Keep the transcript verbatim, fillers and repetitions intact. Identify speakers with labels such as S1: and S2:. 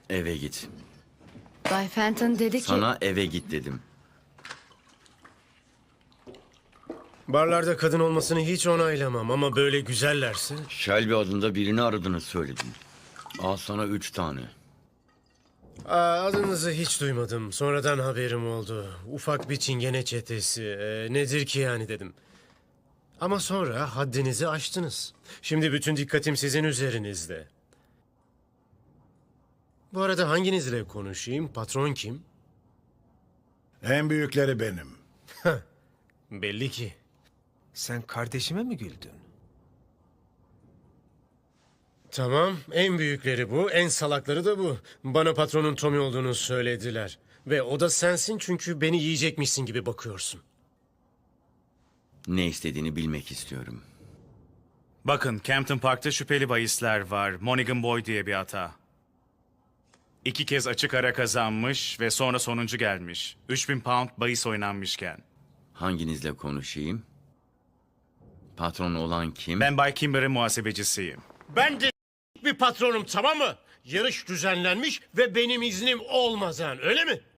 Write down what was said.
S1: Eve git.
S2: Bay Fenton dedi ki...
S1: Sana eve git dedim.
S3: Barlarda kadın olmasını hiç onaylamam ama böyle güzellerse...
S1: Shelby adında birini aradığını söyledin. Al sana üç tane.
S3: Aa, adınızı hiç duymadım. Sonradan haberim oldu. Ufak bir çingene çetesi. Ee, nedir ki yani dedim. Ama sonra haddinizi aştınız. Şimdi bütün dikkatim sizin üzerinizde. Bu arada hanginizle konuşayım? Patron kim?
S4: En büyükleri benim.
S3: Belli ki.
S5: Sen kardeşime mi güldün?
S3: Tamam, en büyükleri bu, en salakları da bu. Bana patronun Tommy olduğunu söylediler. Ve o da sensin çünkü beni yiyecekmişsin gibi bakıyorsun.
S1: Ne istediğini bilmek istiyorum.
S6: Bakın, Campton Park'ta şüpheli bahisler var. Monaghan Boy diye bir hata. İki kez açık ara kazanmış ve sonra sonuncu gelmiş. üç bin pound bahis oynanmışken.
S1: Hanginizle konuşayım? Patron olan kim?
S6: Ben Bay Kimber'ın muhasebecisiyim.
S3: Ben de bir patronum, tamam mı? Yarış düzenlenmiş ve benim iznim olmadan, öyle mi?